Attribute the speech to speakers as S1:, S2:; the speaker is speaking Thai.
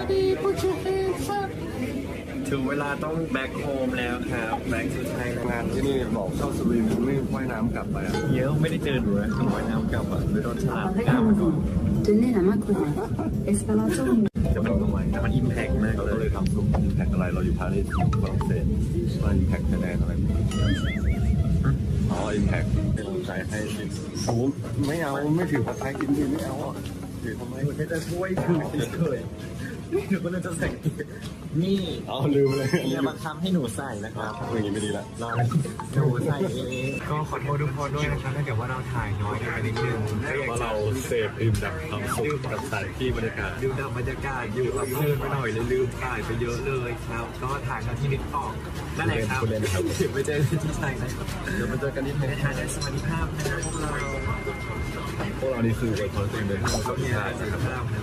S1: ถึงเวลาต้องแบ็คโฮมแล้วครับแบ็คสุดท้าย
S2: งานที่นี่บอกเข้าสวีไม่ว่ายน้ำกลับไปอ่ะ
S1: เยอะไม่ได้เจอหนูนะต้องว่ายน้ำกลับอ่ะไปโดนฉลามกล้ามมาก่อน
S3: Tenez la main courante. Espalator
S1: จะมันทำไมมันอิมแพกมาก
S2: เรา
S1: เล
S2: ก็เลย ยทำซุปอิมแพกอะไรเราอยู่ปารีสฝรั่งเศสว่าอิมแพกคะแนนอะไรอ๋ออิมแพกเป็นกำลังใจให้สิโอ้ไม่เอาไม่ถือผัดไทยกินดีไม่เอาอ่ะถือทำไม
S1: มันจะช่วยถือเฉยๆหนูก็เลยจะใส่นี่
S2: อ๋อลืมเลย
S1: อย่าบังคับให้หนูใส่นะครับ
S2: อย่างนี้ไม่ดีละ
S1: รอหนูใส่เองก็ขอโทษทุกคนด้วยนะครับถ้าเกิดว่าเราถ่ายน้อยไปนิดนึงก็อยาก
S2: ว่า
S1: จะ
S2: เราเสพอิ่มดับความสุขกับสถานที่บรรยากาศ
S1: ดูดับบรรยากาศอยู่กับเพื่อนไปหน่อยเลยลืมถ่ายไปเยอะเลยครับ ก็ถ่ายมาที่นิดออกนั่นแหละครับถึงไปเจอที่ไทยนะครับ
S2: เดี๋ยวมาเจอกันที่ไทย
S1: ในทางได้สวัสดิภาพนะครับพวกเรา
S2: พวกเรานี่คือไอคอนเต็มเลย
S1: ก็มีอะไรสุขภาพนะ